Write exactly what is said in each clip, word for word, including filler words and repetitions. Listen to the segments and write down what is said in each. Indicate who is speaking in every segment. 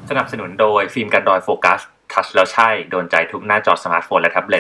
Speaker 1: สนับสนุนโดยฟิล์มกันรอยโฟกัสทัชแล้วใช่โดนใจทุกหน้าจอสมาร์ทโฟนและแท็บเล็ต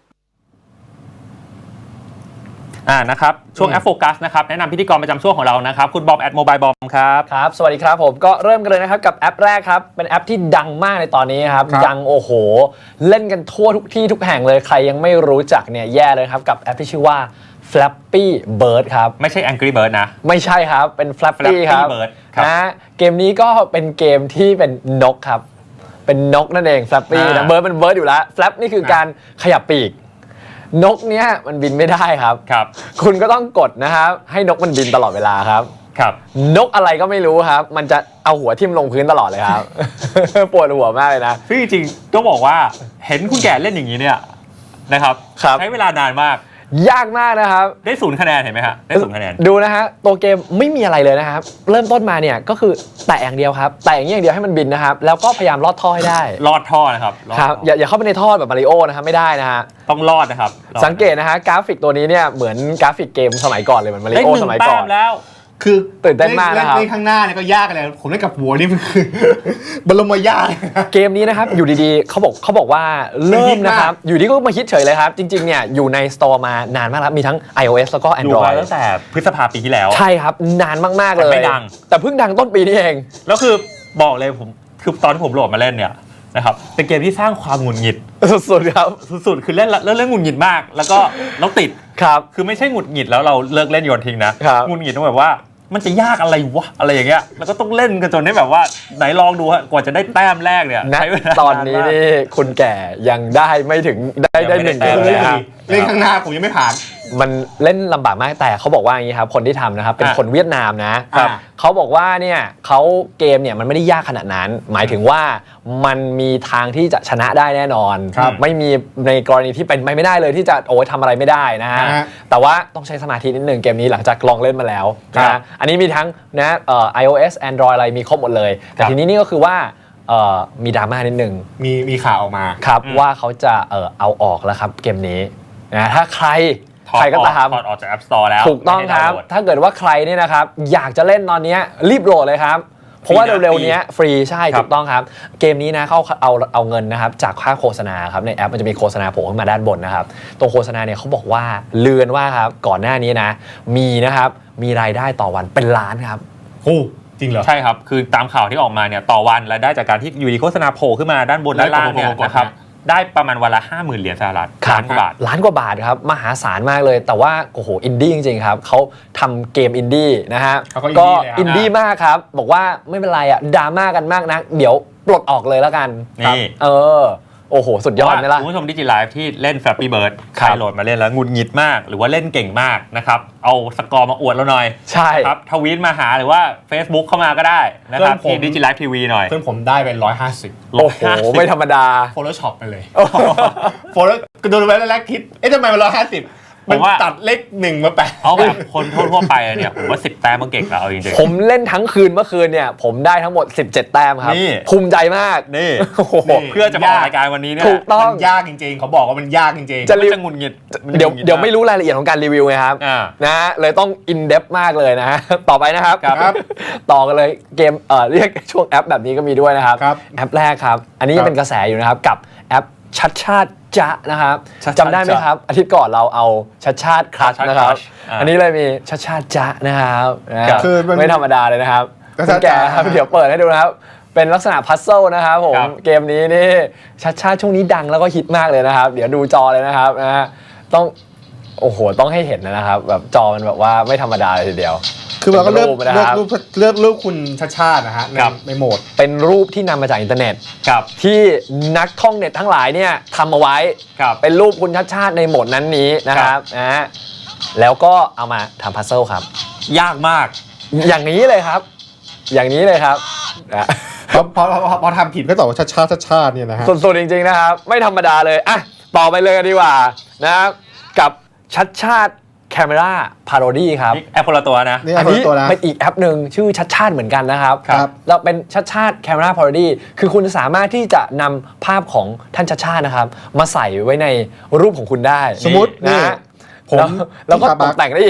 Speaker 2: อ่านะครับช่วงแอปโฟกัสนะครับแนะนำพิธีกรประจำช่วงของเรานะครับคุณบอมแอดโมบายบอมครับ
Speaker 3: ครับสวัสดีครับผมก็เริ่มกันเลยนะครับกับแอปแรกครับเป็นแอปที่ดังมากในตอนนี้ครับยังโอ้โหเล่นกันทั่วทุกที่ทุกแห่งเลยใครยังไม่รู้จักเนี่ยแย่เลยครับกับแอปที่ชื่อว่า Flappy Bird ครับ
Speaker 2: ไม่ใช่ Angry Bird นะ
Speaker 3: ไม่ใช่ครับเป็น Flappy ครับ
Speaker 2: Bird
Speaker 3: นะเกมนี้ก็เป็นเกมที่เป็นนกครับเป็นนกนั่นเอง Flappy นะ Bird เป็น Bird อยู่แล้ว Flap นี่คือการขยับปีกนกเนี้ยมันบินไม่ได้ครับ
Speaker 2: ครับ
Speaker 3: คุณก็ต้องกดนะครับให้นกมันบินตลอดเวลาครับ
Speaker 2: ครับ
Speaker 3: นกอะไรก็ไม่รู้ครับมันจะเอาหัวทิ่มลงพื้นตลอดเลยครับ ปวดหัวมากเลยนะ
Speaker 2: ซึ่งจริงๆต้องบอกว่าเห็นคุณแก่เล่นอย่างนี้เนี่ยนะครับใช้เวลานานมาก
Speaker 3: ยากมากนะครับ
Speaker 2: ได้ศูนย์คะแนนเห็นไหมฮะได้ศูนย์คะแนน
Speaker 3: ดูนะฮะตัวเกมไม่มีอะไรเลยนะครับเริ่มต้นมาเนี่ยก็คือแตะอย่างเดียวครับแตะอย่างเดียวให้มันบินนะครับแล้วก็พยายามลอดท่อให้ได้
Speaker 2: ลอดท่อนะครับ
Speaker 3: ครับอย่าอย่าเข้าไปในท่อแบบมาริโอนะครับไม่ได้นะฮะ
Speaker 2: ต้องลอดนะครับ
Speaker 3: สังเกตนะฮะกราฟิกตัวนี้เนี่ยเหมือนกราฟิกเกมสมัยก่อนเลยเหมือนมาริโอสมัยก่อน
Speaker 2: แล้ว
Speaker 4: คือ
Speaker 3: ตื่นเต้นมากนะครับ
Speaker 4: เล่นข้างหน้าเนี่ยก็ยากเลยผมเล่นกับหัวนี่มันคือบรมยาก
Speaker 3: เกมนี้นะครับอยู่ดีๆเขาบอกเขาบอกว่าเริ่มนะครับอยู่ดีก็มาฮิตเฉยเลยครับจริงๆเนี่ยอยู่ในสโตร์มานานมากแล้วมีทั้ง iOS แล้วก็ Android
Speaker 2: ตั้งแต่พฤษภาปีที่แล้ว
Speaker 3: ใช่ครับนานมากๆเลย
Speaker 2: ไม่ดัง
Speaker 3: แต่เพิ่งดังต้นปีนี้เอง
Speaker 2: แล้วคือบอกเลยผมคือตอนที่ผมโหลดมาเล่นเนี่ยนะครับเป็นเกมที่สร้างความหงุดหงิด
Speaker 3: สุดๆครับ
Speaker 2: สุดๆคือเล่นเล่นเล่นหงุดหงิดมากแล้วก็แล้วติด
Speaker 3: ครับ
Speaker 2: คือไม่ใช่หงุดหงิดแล้วเราเลิกเล่นโยนทิ้งนะหงุดหงิดต้องแบบว่ามันจะยากอะไรวะอะไรอย่างเงี้ยแล้วก็ต้องเล่นกันจนได้แบบว่าไหนลองดูฮะกว่าจะได้แต้มแรกเนี่ย
Speaker 3: ใช้เวลาตอนนี้นี่คุณแก่ยังได้ไม่ถึงได้ได้หนึ่งเกมเลยครับ
Speaker 4: เล่นข้างหน้าผมยังไม่ผ่าน
Speaker 3: มันเล่นลำบากมากแต่เขาบอกว่าอย่างนี้ครับคนที่ทำนะครับเป็นคนเวียดนามนะเขาบอกว่าเนี่ยเขาเกมเนี่ยมันไม่ได้ยากขนาดนั้นหมายถึงว่ามันมีทางที่จะชนะได้แน่นอนไม่มีในกรณีที่เป็นไม่ได้เลยที่จะโอ้ยทำอะไรไม่ได้นะฮะแต่ว่าต้องใช้สมาธินิดนึงเกมนี้หลังจากลองเล่นมาแล้วนะอันนี้มีทั้งนะเอ่อ iOS Android อะไรมีครบหมดเลยแต่ทีนี้นี่ก็คือว่าเอ่อมีดราม่านิดนึง
Speaker 4: มีมีข่าวออกมา
Speaker 3: ครับว่าเขาจะเอ่อเอาออกแล้วครับเกมนี้นะถ้าใครใครก็ตาม
Speaker 2: ถอดออกจาก App Store แล้ว
Speaker 3: ถูกต้องครับถ้าเกิดว่าใครเนี่ยนะครับอยากจะเล่นตอนนี้รีบโหลดเลยครับเพราะว่าเร็วๆนี้ฟรีใช่ถูกต้องครับเกมนี้นะเขาเอาเอาเงินนะครับจากค่าโฆษณาครับในแอปมันจะมีโฆษณาโผล่ขึ้นมาด้านบนนะครับตรงโฆษณาเนี่ยเขาบอกว่าเลือนว่าครับก่อนหน้านี้นะมีนะครับมีรายได้ต่อวันเป็นล้านครับ
Speaker 4: โอ้จริงเหรอ
Speaker 2: ใช่ครับคือตามข่าวที่ออกมาเนี่ยต่อวันรายได้จากการที่อยู่ดีโฆษณาโผล่ขึ้นมาด้านบนด้านล่างเนี่ยนะครับได้ประมาณวันละ ห้าหมื่น เหรียญสหรัฐล้านกว่าบาท
Speaker 3: ล้านกว่าบาทครับมหาศาลมากเลยแต่ว่าโอ้โหอินดี้จริงๆครับเขาทำเกมอินดี้นะฮะก็อินดี้มากครับบอกว่าไม่เป็นไรอ่ะดราม่ากันมากนะเดี๋ยวปลดออกเลยแล้วกัน
Speaker 2: นี่
Speaker 3: เออโอ้โหสุดยอดไหมล่ะ
Speaker 2: คุณผู้ชมดิจิไลฟ์ที่เล่น Flappy Bird ใครโหลดมาเล่นแล้วงุนหงิดมากหรือว่าเล่นเก่งมากนะครับเอาสกอร์มาอวดเราหน่อย
Speaker 3: ใช่
Speaker 2: ครับทวีตมาหาหรือว่า Facebook เข้ามาก็ได้นะครับที่ดิจิไลฟ์ทีวีหน่อย
Speaker 4: เพื่อนผมได้เป็นหนึ่งร้อยห้าสิบ
Speaker 3: โอ้โหไม่ธรรมดา
Speaker 4: Photoshop ไปเลย Photoshop ดูไปแล้วคิดเอ๊ะทำไมมันหนึ่งร้อยห้าสิบมันตัดเลขหนึ่งมาแปะ
Speaker 2: เอาแบบคนทั่วๆไปเนี่ยผมว่าสิบแต้มมันเก่งแล้วจริง
Speaker 3: ๆผมเล่นทั้งคืนเมื่อคืนเนี่ยผมได้ทั้งหมดสิบเจ็ดแต้มครับภูมิใจมาก
Speaker 2: นี่เพื่อจะมาออกรายการวันนี้เนี่ย
Speaker 3: ถูกต้อง
Speaker 4: มันยากจริงๆเขาบอกว่ามันยากจริง
Speaker 2: ๆจะจะงุนหงิด
Speaker 3: เดี๋ยวเดี๋ยวไม่รู้รายละเอียดของการรีวิวไงครับนะเลยต้องอินเดปมากเลยนะต่อไปนะครับต่อกันเลยเกมเอ่อเรียกช่วงแอปแบบนี้ก็มีด้วยนะครับแอปแรกครับอันนี้ยังเป็นกระแสอยู่นะครับกับแอปชัดชาติจ๊ะนะครับจำได้ไหมครับอาทิตย์ก่อนเราเอาชัดชาติคลัชนะครับอันนี้เลยมีชัดชาติจ๊ะนะครับคือไม่ธรรมดาเลยนะครับคุณแกครับเดี๋ยวเปิดให้ดูนะครับเป็นลักษณะพัซเซิลนะครับผมเกมนี้นี่ชัดชาติช่วงนี้ดังแล้วก็ฮิตมากเลยนะครับเดี๋ยวดูจอเลยนะครับนะต้องโอ้โหต้องให้เห็นนะครับแบบจอมันแบบว่าไม่ธรรมดาเลยทีเดียว
Speaker 4: คือเราก็เลือกเลือกรูปเลือกรูปคุณชัดชาตินะฮะในโหมด
Speaker 3: เป็นรูปที่นำมาจากอินเทอร์เน็ตที่นักท่องเน็ตทั้งหลายเนี่ยทำเอาไว้เป็นรูปคุณชัดชาติในโหมดนั้นนี้นะครับนะแล้วก็เอามาทำพัซเซิลครับ
Speaker 2: ยากมาก
Speaker 3: อย่างนี้เลยครับอย่างนี้เลยครับ
Speaker 4: พอพอพอทำผิดก็ตอบว่าชัดชาติชัดชาติเนี่ยนะฮะ
Speaker 3: สุดๆจริงๆนะครับไม่ธรรมดาเลยอ่ะต่อไปเลยดีกว่านะครับกับชัดชาติแคมราพาโรดี้ครับ
Speaker 2: แอปคนละตัวนะ
Speaker 3: อันนี้เป็นอีกแอปหนึ่งชื่อชัดชาติเหมือนกันนะครับเราเป็นชัดชาติแคมราพาโรดี้คือคุณสามารถที่จะนำภาพของท่านชัดชาตินะครับมาใส่ไว้ในรูปของคุณได้
Speaker 4: สมมติ
Speaker 3: นะผมแล้วก็ตกแต่งได้อีก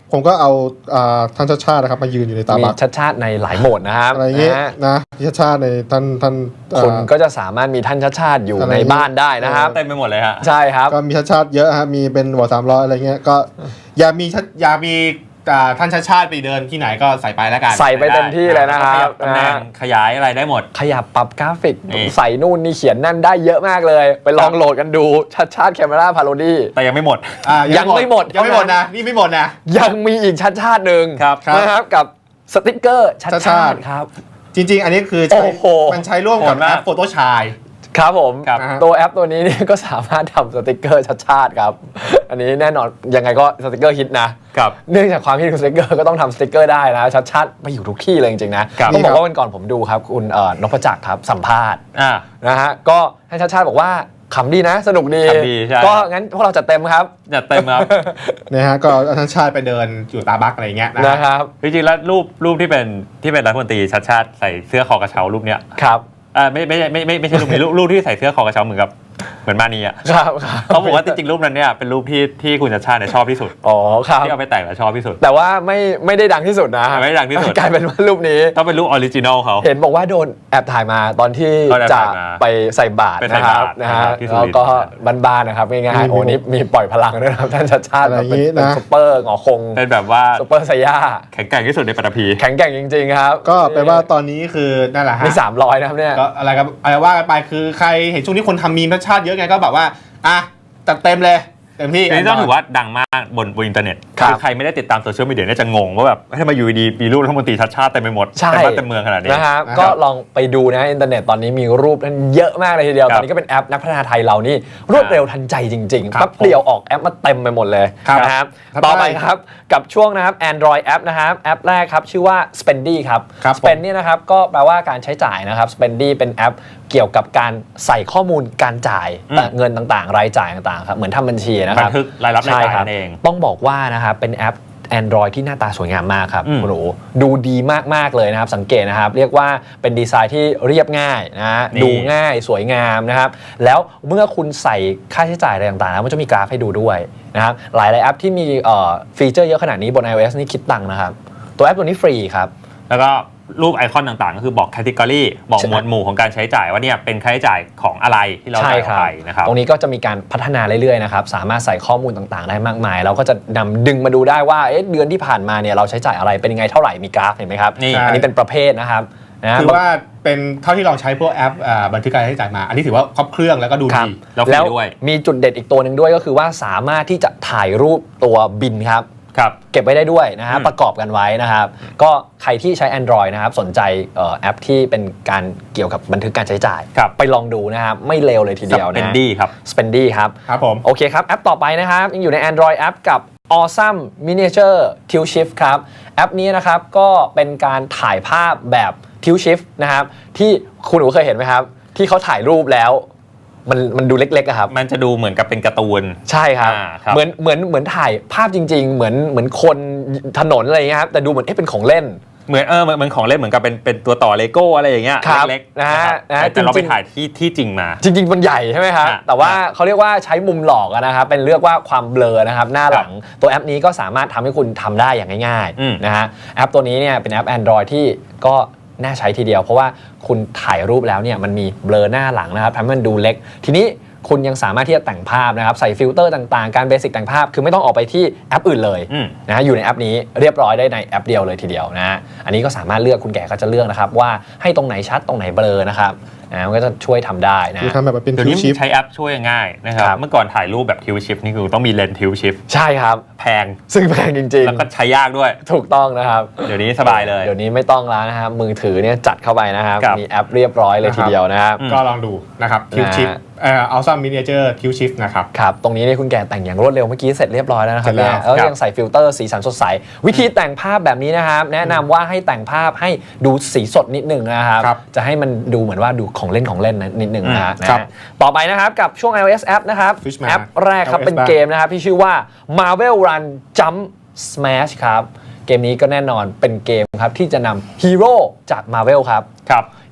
Speaker 5: ผมก็เอาท่านชาติชาตินะครับมายืนอยู่ในตาบัก
Speaker 3: มีชาติชาติในหลายโหมดนะครับ
Speaker 5: อะไรอย่างเงี้ยนะชาติชาติในท่านท่าน
Speaker 3: คนก็จะสามารถมีท่านชาติชาติอยู่ในบ้านได้นะครับ
Speaker 2: เต็มไปหมดเลยฮะ
Speaker 3: ใช่ครับ
Speaker 5: ก็มีชาติชาติเยอะฮะมีเป็นหัวสามร้อยอะไรเงี้ยก็
Speaker 4: อย่ามีอย่ามีท่านชาติชาติไปเดินที่ไหนก็ใส่ไปแล้วกัน
Speaker 3: ใส่ไปเต็มที่เลยนะครับ
Speaker 2: ตำแหน่งขยายอะไรได้หมด
Speaker 3: ขยับปรับกราฟิกใส่นู่นนี่เขียนนั่นได้เยอะมากเลยไปลองโหลดกันดูชาติชาติแคมเมราพาโรดี้
Speaker 2: แต่ยังไม่หมด
Speaker 3: ยังไม่หมด
Speaker 4: ยังไม่หมดนะนี่ไม่หมดนะ
Speaker 3: ยังมีอีกชาติชาติหนึ่งนะครับกับสติ๊กเกอร์ชาติชาติครับ
Speaker 4: จริงๆอันนี้คือมันใช้ร่วมกับแอปโฟโต้ชาย
Speaker 3: ครับผมตัวแอปตัวนี้นี่ก็สามารถทำสติกเกอร์ชาติๆครับอันนี้แน่นอนยังไงก็สติกเกอร์ฮิตนะครับเนื่องจากความฮิตของสติกเกอร์ก็ต้องทำสติกเกอร์ได้นะชาติๆไปอยู่ทุกที่เลยจริงๆนะต้องบอกว่าวันก่อนผมดูครับคุณนพจักรครับสัมภาษณ์นะฮะก็ให้ชาติๆบอกว่าขำดีนะสนุกดีก็งั้นพวกเราจัดเต็มครับ
Speaker 2: จัดเต็มครับ
Speaker 5: นะฮะก็ท่านชาติไปเดินอยู่ตาบักอะไรเงี้ย
Speaker 3: นะครับ
Speaker 2: จริงๆแล้วรูปรูปที่เป็นที่เป็นรัฐมนตรีชาติชาติใส่เสื้อคอกระเช้ารูปเนี้ย
Speaker 3: ครับ
Speaker 2: อ่าไม่ไม่ไม่ไม่ไม่ใช่รูปนี้รูปที่ใส่เสื้อคอกระเช้าเหมือนกับเหมือนมานีอ่ะ
Speaker 3: ครับ
Speaker 2: เขาบอกว่าจริงๆรูปนั้นเนี่ยเป็นรูปที่ที่คุณชาติชาติเนี่ยชอบที่สุด
Speaker 3: อ๋อครับ
Speaker 2: ที่เอาไปแต่งแล้วชอบที่สุด
Speaker 3: แต่ว่าไม่ไม่ได้ดังที่สุดนะ
Speaker 2: ไม่ได้ดังที่สุด
Speaker 3: กลายเป็นว่ารูปนี้
Speaker 2: ต้องเป็นรูปออริจินอลเขา
Speaker 3: เห็นบอกว่าโดนแอบถ่ายมาตอนที่จะไปใส่บาตรนะครับนะฮะแล้วก็บ้านๆนะครับง่ายๆโอ้นี่มีปล่อยพลังด้วยนะครับท่านชาติชาติเป็นซุปเปอร์หงอคง
Speaker 2: เป็นแบบว่า
Speaker 3: ซุปเปอร์ไซย่า
Speaker 2: แข็งแกร่งที่สุดในปฐพี
Speaker 3: แข็งแกร่งจริงๆครับ
Speaker 5: ก็แปลว่าตอนนี้คือนั่นแหละฮะ
Speaker 3: มีสามร้อยนะครับเนี่ย
Speaker 4: ก็อะไรกันอะไรว่ากันไปคือใครเห็นช่วงนี้คนทำมีมชาติเยอะไงก็แบบว่าอ่ะจัดเต็มเลยเต็มที่
Speaker 2: นี่ต้องถือว่าดังมากบนบนอินเทอร์เน็ตคือใครไม่ได้ติดตามโซเชียลมีเดียเนี่ยจะงงว่าแบบทำไมอยู่ดีมีรูปรัฐมนตรีชาติชาติเต็มไปหมดเต็มบ้านเต็มเมืองขนาดนี้
Speaker 3: นะครับก็ลองไปดูนะอินเทอร์เน็ตตอนนี้มีรูปนั้นเยอะมากเลยทีเดียวตอนนี้ก็เป็นแอปนักพัฒนาไทยเรานี่รวดเร็วทันใจจริงๆแป๊บเดียวออกแอปมาเต็มไปหมดเลยนะครับต่อไปครับกับช่วงนะครับ Android แอปนะครับแอปแรกครับชื่อว่า Spendy ครับ Spend นี่นะครับก็แปลว่าการใช้จ่ายนะครับ Spendy เป็นแอปเกี่ยวกับการใส่ข้อมูลการจ่ายเงินต่างๆรายจ่ายต่างๆครับเหมือนทำบัญชีนะครับ
Speaker 2: บันทึกรายรับรายจ่ายนั่นเอง
Speaker 3: ต้องบอกว่านะครับเป็นแอป Android ที่หน้าตาสวยงามมากครับคุณหนูดูดีมากๆเลยนะครับสังเกตนะครับเรียกว่าเป็นดีไซน์ที่เรียบง่ายนะดูง่ายสวยงามนะครับแล้วเมื่อคุณใส่ค่าใช้จ่ายอะไรต่างๆแล้วมันจะมีกราฟให้ดูด้วยนะครับหลายๆแอปที่มีฟีเจอร์เยอะขนาดนี้บน iOS นี่คิดตังค์นะครับตัวแอปตัวนี้ฟรีครับ
Speaker 2: แล้วก็รูปไอคอนต่างๆก็คือบอกแคตตากรีบอกหมวดหมู่ของการใช้จ่ายว่าเนี่ยเป็นค่าใช้จ่ายของอะไรที่เราจ่ายไปนะครับ
Speaker 3: ตรงนี้ก็จะมีการพัฒนาเรื่อยๆนะครับสามารถใส่ข้อมูลต่างๆได้มากมายเราก็จะนำดึงมาดูได้ว่าเอ๊ะเดือนที่ผ่านมาเนี่ยเราใช้จ่ายอะไรเป็นยังไงเท่าไหร่มีกราฟเห็นไหมครับอันนี้เป็นประเภทนะครับ
Speaker 4: ถือว่าเป็นเท่าที่ลองใช้พวกแอปบันทึกการใช้จ่ายมาอันนี้ถือว่าครบเครื่องแล้วก็ดูดี
Speaker 3: แล้วมีจุดเด็ดอีกตัวหนึ่งด้วยก็คือว่าสามารถที่จะถ่ายรูปตัวบินครับเก็บไว้ได้ด้วยนะฮะประกอบกันไว้นะครับก็ใครที่ใช้ Android นะครับสนใจแอปที่เป็นการเกี่ยวกับบันทึกการใช้จ่ายไปลองดูนะครับไม่เลวเลยทีเดียวนะ
Speaker 2: Spendy ครับ
Speaker 3: Spendy ครับ
Speaker 4: ครับผม
Speaker 3: โอเคครับแอปต่อไปนะครับยังอยู่ใน Android แอปกับ Awesome Miniature Tilt Shift ครับแอปนี้นะครับก็เป็นการถ่ายภาพแบบ Tilt Shift นะครับที่คุณหนูเคยเห็นไหมครับที่เขาถ่ายรูปแล้วมันมันดูเล็กๆอะครับ
Speaker 2: มันจะดูเหมือนกับเป็นการ์ตูน
Speaker 3: ใช่ครับเหมือนเหมือนเหมือนถ่ายภาพจริงๆเหมือนเหมือนคนถนนอะไรอย่างเงี้ยครับแต่ดูเหมือนเอ๊ะเป็นของเล่น
Speaker 2: เหมือนเออเหมือนของเล่นเหมือนกับเป็นเป็นตัวต่อเลโก้อะไรอย่างเงี้ยเล็ก
Speaker 3: ๆนะฮะ
Speaker 2: แต่เราไปถ่ายที่ที่จริงมา
Speaker 3: จริงๆมันใหญ่ใช่ไหมครับแต่ว่าเขาเรียกว่าใช้มุมหลอกนะครับเป็นเรียกว่าความเบลอนะครับหน้าหลังตัวแอปนี้ก็สามารถทำให้คุณทำได้อย่างง่ายๆนะฮะแอปตัวนี้เนี่ยเป็นแอป Android ที่ก็น่าใช้ทีเดียวเพราะว่าคุณถ่ายรูปแล้วเนี่ยมันมีเบลอหน้าหลังนะครับทำให้มันดูเล็กทีนี้คุณยังสามารถที่จะแต่งภาพนะครับใส่ฟิลเตอร์ต่างๆการเบสิกแต่งภาพคือไม่ต้องออกไปที่แอปอื่นเลยนะอยู่ในแอปนี้เรียบร้อยได้ในแอปเดียวเลยทีเดียวนะอันนี้ก็สามารถเลือกคุณแก่ก็จะเลือกนะครับว่าให้ตรงไหนชัดตรงไหนเบลอนะครับนะมันก็จะช่วยทำได้นะ
Speaker 5: คือทำแบบเป็นทิวชิฟ
Speaker 2: ใช้แอปช่วยง่ายนะครับเมื่อก่อนถ่ายรูปแบบทิวชิฟนี่คือต้องมีเลนส์ทิวชิฟ
Speaker 3: ใช่ครับ
Speaker 2: แพง
Speaker 3: ซึ่งแพงจริงๆ
Speaker 2: แล้วก็ใช้ยากด้วย
Speaker 3: ถูกต้องนะครับ
Speaker 2: เดี๋ยวนี้สบายเลย
Speaker 3: เดี๋ยวนี้ไม่ต้องแล้วนะครับมือถือเนี่ยจัดเข้าไปนะครับมีแอปเรียบร้อยเลยทีเดียวนะครับ
Speaker 4: ก็ลองดูนะครับทิวชิฟเอ่อ Awesome Miniature Tilt Shift นะครับ
Speaker 3: ครับตรงนี้เนี่ยคุณแก่แต่งอย่างรวดเร็วเมื่อกี้เสร็จเรียบร้อยแล้วนะครับเนี่ยแล้วยังใส่ฟิลเตอร์สีสันสดใสวิธีแต่งภาพแบบนี้นะครับแนะนำว่าให้แต่งภาพให้ดูสีสดนิดนึงนะครับจะให้มันดูเหมือนว่าดูของเล่นของเล่นนิดนึงนะครับต่อไปนะครับกับช่วง iOS App นะครับแอปแรกครับเป็นเกมนะครับที่ชื่อว่า Marvel Run Jump Smash ครับเกมนี้ก็แน่นอนเป็นเกมครับที่จะนำฮีโร่จาก Marvel ครับ
Speaker 2: ครับ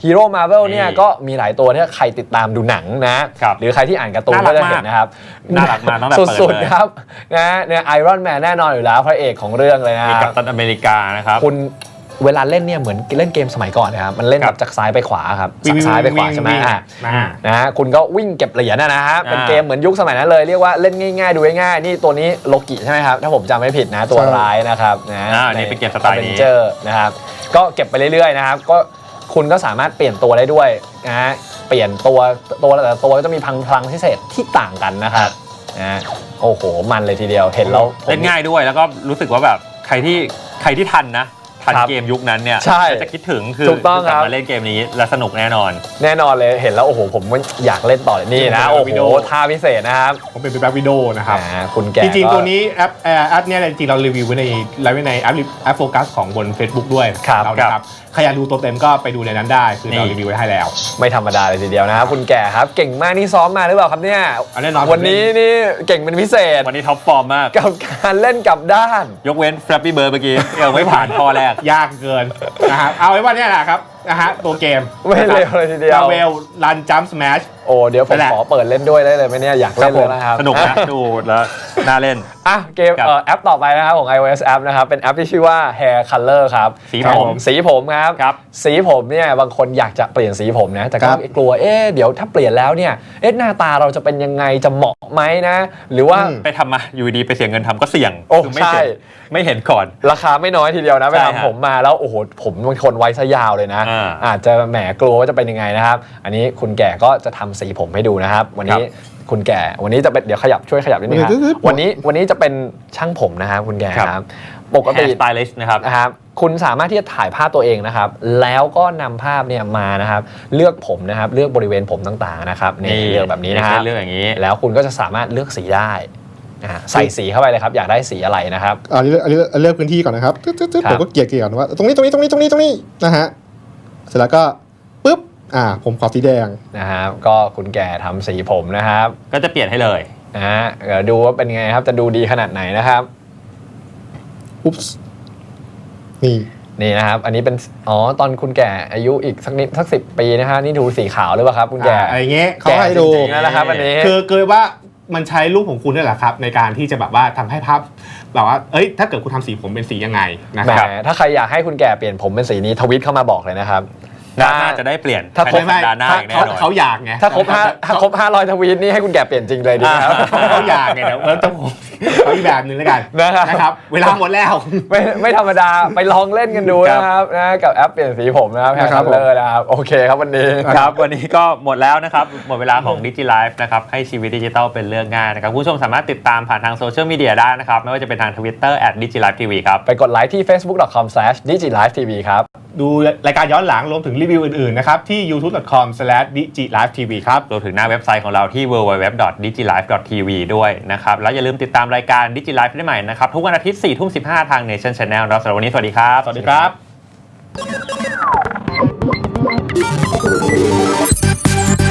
Speaker 3: ฮีโร่มาร์เวลเนี่ยก็มีหลายตัวที่ใครติดตามดูหนังนะหรือใครที่อ่านการ์ตูนก็จะเห็นนะครับ
Speaker 2: น่ารักมากตั้งแต่เปิดเลย
Speaker 3: สุดๆครับนะเนี่ยไอรอนแมนแน่นอนอยู่แล้วพระเอกของเรื่องเลยนะ
Speaker 2: มีกัปตันอเมริกานะครับ
Speaker 3: คุณเวลาเล่นเนี่ยเหมือนเล่นเกมสมัยก่อนนะครับมันเล่นแบบจากซ้ายไปขวาครับจากซ้ายไปขวาใช่ไหมนะฮะคุณก็วิ่งเก็บเหรียญนะฮะเป็นเกมเหมือนยุคสมัยนั้นเลยเรียกว่าเล่นง่ายๆดูง่ายๆนี่ตัวนี้โลกิใช่ไหมครับถ้าผมจำไม่ผิดนะตัวร้ายนะครับนะ
Speaker 2: นี่เป็นเกมสไตล์นี้
Speaker 3: นะครับก็เก็บไปเรื่อยๆนะครับก็คุณก็สามารถเปลี่ยนตัวได้ด้วยนะฮะเปลี่ยนตัวตัวแต่ละตัวก็จะมีพลังพิเศษที่ต่างกันนะครับนะโอ้โหมันเลยทีเดียวเห็นแล้ว
Speaker 2: เล่นง่ายด้วยแล้วก็รู้สึกว่าแบบใครที่ใครที่ทันนะทันเกมยุคนั้นเนี่ยจะคิดถึงคือกลับมาเล่นเกมนี้และสนุกแน่นอน
Speaker 3: แน่นอนเลยเห็นแล้วโอ้โหผมอยากเล่นต่อเลยนี่นะโอ้โหท่าพิเศษนะครับ
Speaker 5: ผมเป็นแบ็ควิดีโอนะครับ
Speaker 3: คุณแก
Speaker 5: จริงๆตัวนี้แอปแอปเนี่ยจริงๆเรารีวิวไว้ในไลฟ์ไว้ในแอปแอปโฟกัสของบน Facebook ด้วยเรานะครับใครอยากดูตัวเต็มก็ไปดูในนั้นได้คือเรารีวิวไว้ให้แล้ว
Speaker 3: ไม่ธรรมดาเลยทีเดียวนะครับคุณแก่ครับเก่งมากนี่ซ้อมมาหรือเปล่าครับเนี่ยวันนี้นี่เก่งเป็นพิเศษ
Speaker 2: วันนี้ท็อปฟอร์มมาก
Speaker 3: กับการเล่นกับด้าน
Speaker 2: ยกเว้น Flappy Bird เมื่อกี้ยังไม่ผ่านข้อแรก
Speaker 5: ยากเกินนะครับเอาไว้ว่านี่แหละครับนะฮะตัวเกม
Speaker 3: ไม่เร็วเลยทีเดียว
Speaker 5: Marvel Run Jump Smash
Speaker 3: โอ้เดี๋ยวผมขอเปิดเล่นด้วยได้เลยไหมเนี่ยอยากเล่นเลยนะครับ
Speaker 2: สนุกนะดูแล้วน่าเล่น
Speaker 3: อ่ะเกมเอ่อแอปต่อไปนะครับของ iOS App นะครับเป็นแอปที่ชื่อว่า Hair Color ครับ
Speaker 2: สีผม
Speaker 3: สีผมครับสีผมเนี่ยบางคนอยากจะเปลี่ยนสีผมนะแต่ก็กลัวเอ๊ะเดี๋ยวถ้าเปลี่ยนแล้วเนี่ยเอ๊ะหน้าตาเราจะเป็นยังไงจะเหมาะไหมนะหรือว่า
Speaker 2: ไปทำมาอยู่ดีไปเสียเงินทำก็เสี่ยง
Speaker 3: โอ้ใช่
Speaker 2: ไม่เห็นก่อน
Speaker 3: ราคาไม่น้อยทีเดียวนะไปทำผมมาแล้วโอ้โหผมบางคนไว้ซะยาวเลยนะอาจจะแหมกลัวว่าจะเป็นยังไงนะครับอันนี้คุณแก่ก็จะทำสีผมให้ดูนะครับวันนี้คุณแก่วันนี้จะเป็นเดี๋ยวขยับช่วยขยับนิดนึงครับวันนี้วันนี้จะเป็นช่างผมนะครับคุณแก่ครับปกติ
Speaker 2: สไตลิสต์นะครับ
Speaker 3: นะครับคุณสามารถที่จะถ่ายภาพตัวเองนะครับแล้วก็นำภาพเนี่ยมานะครับเลือกผมนะครับเลือกบริเวณผมต่างๆนะครับนี่เลือกแบบนี้นะครับ
Speaker 2: เลือกอย่างนี้
Speaker 3: แล้วคุณก็จะสามารถเลือกสีได้ใส่สีเข้าไปเลยครับอยากได้สีอะไรนะครับ
Speaker 5: อันนี้อันนี้เลือกพื้นที่ก่อนนะครับผมก็เกลี่ยเกลี่ยก่อนว่าตรงนี้ตรงนี้ตรงนี้ตรงนี้ตรงนี้นะฮะเสร็จแล้วก็ปุ๊บอ่าผมขอสีแดง
Speaker 3: นะครับก็คุณแก่ทำสีผมนะครับ
Speaker 2: ก็จะเปลี่ยนให้เลย
Speaker 3: นะฮะเดี๋ยวดูว่าเป็นไงครับจะดูดีขนาดไหนนะครับ
Speaker 5: อุ๊บนี่
Speaker 3: นี่นะครับอันนี้เป็นอ๋อตอนคุณแก่อายุอีกสักนิดสักสิบปีนะฮะนี่ดูสีขาวหรือเปล่าครับคุณแก่
Speaker 5: อะไรเงี้ยเขาให้ดู
Speaker 3: นะครับอันนี้
Speaker 5: คือเกิดว่ามันใช้รูปของคุณนี่แหละครับในการที่จะแบบว่าทำให้ภาพแบบว่าเอ้ยถ้าเกิดคุณทำสีผมเป็นสียังไงนะครับ
Speaker 3: ถ้าใครอยากให้คุณแก่เปลี่ยนผมเป็นสีนี้ทวิตเข้ามาบอกเลยนะครับ
Speaker 2: น่าจะได้เปลี่ยน
Speaker 3: ถ้าครบ
Speaker 2: ดาหน้าแน่นอน
Speaker 5: เขาอยากไง
Speaker 3: ถ้าครบห้าถ้าครบห้าร้อยทวีตนี่ให้คุณแก่เปลี่ยนจริงเลยดีครับ
Speaker 5: เขาอยากไงเดี๋ยวเราต้องเขาอีกแบบนึงแล้วกันนะครับเวลาหมดแล้ว
Speaker 3: ไม่ไม่ธรรมดาไปลองเล่นกันดูนะครับนะกับแอปเปลี่ยนสีผมนะครับแฮร์คัลเลอร์นะครับโอเคครับวันนี้
Speaker 2: ครับวันนี้ก็หมดแล้วนะครับหมดเวลาของ DigiLife นะครับให้ชีวิตดิจิทัลเป็นเรื่องง่ายนะครับผู้ชมสามารถติดตามผ่านทางโซเชียลมีเดียได้นะครับไม่ว่าจะเป็นทาง Twitterแอท ดิจิไลฟ์ทีวี ครับ
Speaker 3: ไปกดไลค์ที่ เฟซบุ๊ก ดอท คอม สแลช ดิจิไลฟ์ทีวี ครับ
Speaker 5: ดูรายการย้อนหลังรวมถึงรีวิวอื่นๆนะครับที่ ยูทูบ ดอท คอม สแลช ดิจิไลฟ์ทีวี ครับ
Speaker 2: รวมถึงหน้าเว็บไซต์ของเราที่ ดับเบิลยู ดับเบิลยู ดับเบิลยู ดอท ดิจิไลฟ์ ดอท ทีวี ด้วยนะครับแล้วอย่าลืมติดตามรายการ DigiLife ได้ใหม่นะครับทุกวันอาทิตย์ สี่ทุ่มสิบห้า ทาง Nation Channel แล้วสำหรับวันนี้สวัสดีครับ
Speaker 5: สวัสดีครับ